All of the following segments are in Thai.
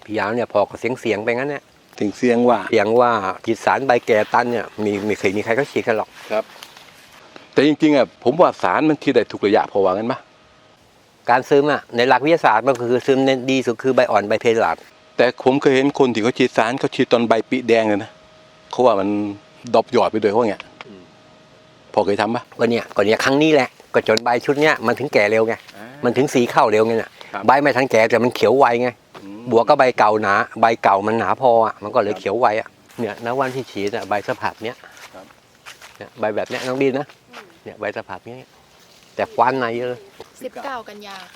พี่ยาวเนี่ยพอก็เสียงไปงั้นเนี่ยถึงเสียงว่าฉีดสารใบแก่ตันเนี่ยมีใครเขาฉีดกันหรอกครับแต่จริงๆอ่ะผมว่าสารมันฉีดได้ทุกระยะพอว่างั้นปะการซึมอ่ะในหลักวิทยาศาสตร์มันคือซึมในดีสุดคือใบอ่อนใบเพลาดแต่ผมเคยเห็นคนที่เขาฉีดสารเขาฉีดตอนใบปีแดงเลยนะเขาว่ามันดอบหยอดไปด้วยเขาเงี้ยพอเคยทำปะก็เนี่ยครั้งนี้แหละก็จนใบชุดเนี้ยมันถึงแก่เร็วไงมันถึงสีเข้าเร็วไงเนี่ยใบไม่ทันแก่แต่มันเขียวไวไงบวกก็ใบเก่าหนาใบเก่ามันหนาพออ่ะมันก็เลยเขียวไวอ่ะเนี่ยณวันที่ฉีดอ่ะใบสภาพเนี้ยเนี่ยใบแบบเนี้ยน้องดินนะเนี่ยใบสภาพเนี้ยแต่ควันในเยอะ 19 กันยา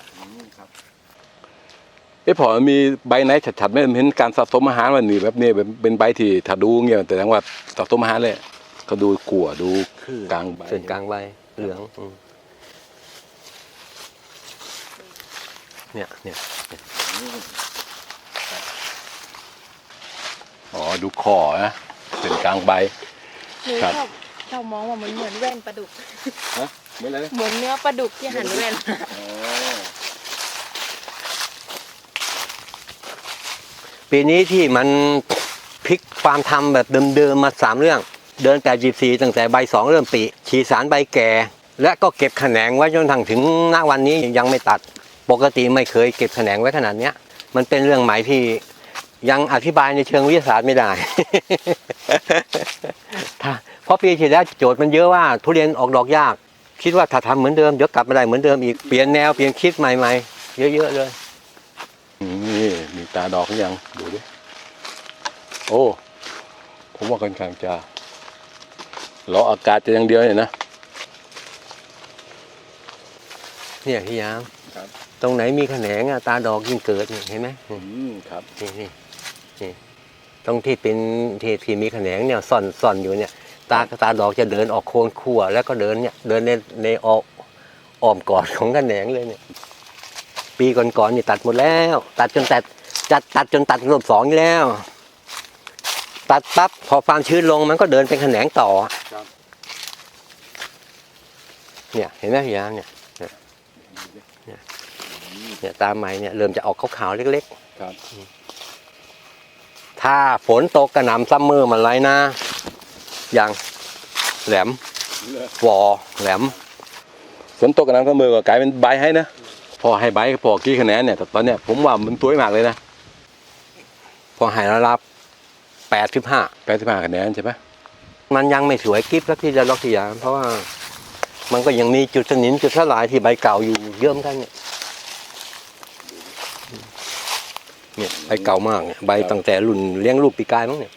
พอมีใบไหนฉัดๆไม่เห็นการสะสมอาหารวันนี้แบบนี้เป็นใบที่ถ้าดูเงี้ยแต่ทั้งว่าสะสมอาหารเลยก็ดูขั่วดูกลางใบส่วนกลางใบเหลืองเนี่ยอ๋อดูคอนะเป็นกลางใบเรามองว่ามันเหมือนแว่นปลาดุกเหมือนอะไรเหมือนเนื้อปลาดุกที่หั่นแว่นปีนี้ที่มันพลิกความทำแบบเดิมๆมา3 เรื่องเดินแต่14ตั้งแต่ใบ2เริ่มปีฉีดสารใบแก่และก็เก็บแขนงไว้จนถึงณวันนี้ยังไม่ตัดปกติไม่เคยเก็บแขนงไว้ขนาดนี้มันเป็นเรื่องใหม่ที่ยังอธิบายในเชิงวิทยาศาสตร์ไม่ได้ เพราะปีที่แล้วโจทย์มันเยอะว่าทุเรียนออกดอกยากคิดว่าถ้าทำเหมือนเดิมเดี๋ยวกลับมาได้เหมือนเดิมอีกเปลี่ยนแนวเปลี่ยนคิดใหม่ๆเยอะๆเลยนี่มีตาดอกหรือยังดูดิโอ้ผมว่าค่อนข้างจะรออากาศจะอย่างเดียวเนี่ยนะเนี่ยพี่ยามตรงไหนมีแขนงตาดอกยิ่งเกิดเห็นไหมครับนี่ตรงที่เป็นที่มีแขนงเนี่ยซ่อนอยู่เนี่ยตาดอกจะเดินออกโคนขั้วแล้วก็เดินในอ้อมกอดของแขนงเลยเนี่ยปีก่อนนี่ตัดหมดแล้วตัดจนตัดรอบ2แล้วตัดปั๊บพอความชื้นลงมันก็เดินเป็นแขนงต่อเนี่ยเห็นไหมพี่ยามเนี่ยตาใหม่เนี่ยเริ่มจะออกขาวๆเล็กๆถ้าฝนตกกระหน่ำซัมเมอร์มันไรนะอย่างแหลมวอแหลมฝนตกกระหน่ำซัมเมอร์ก็กลายเป็นใบให้นะพอให้ใบพอกี่คะแนนเนี่ยแต่ตอนเนี้ยผมว่ามันสวยมากเลยนะพอให้ระดับ85 คะแนนใช่ไหมมันยังไม่สวยกิ๊บแล้วที่จะล็อกที่ยามเพราะว่ามันก็ยังมีจุดสนิมจุดสลายที่ใบเก่าอยู่เยอะเหมือนกันเนี่ยใบเก่ามากเนี่ยใบตั้งแต่รุ่นเลี้ยงลูกปีกายมั้งเนี่ย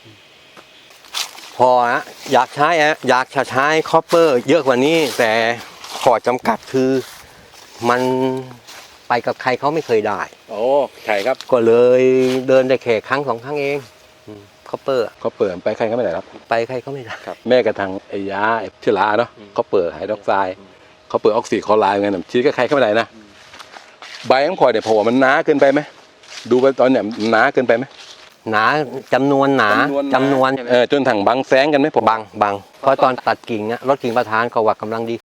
พออยากจะใช้คอปเปอร์เยอะกว่านี้แต่ข้อจำกัดคือมันไปกับใครเขาไม่เคยได้ใช่ครับก็เลยเดินได้แค่ครั้ง2 ครั้งเองคอปเปอร์ไปใครก็ไม่ได้ครับไปใครก็ไม่ได้ครับแม่กระทั่งไอ้ยาเชื้อราเนาะคอปเปอร์ไฮดรอกไซด์คอปเปอร์ออกซิคลอไรด์ไงฉีดกับใครก็ไม่ได้นะใบของพอเนี่ยพอว่ามันหนาเกินไปไหมดูไปตอนเนี่ยหนาเกินไปไหมหนาจำนวนจนถังบังแสงกันไหมผมบังเพราะตอนตัดกิ่งรถกิ่งประธานเขาว่ากำลังดี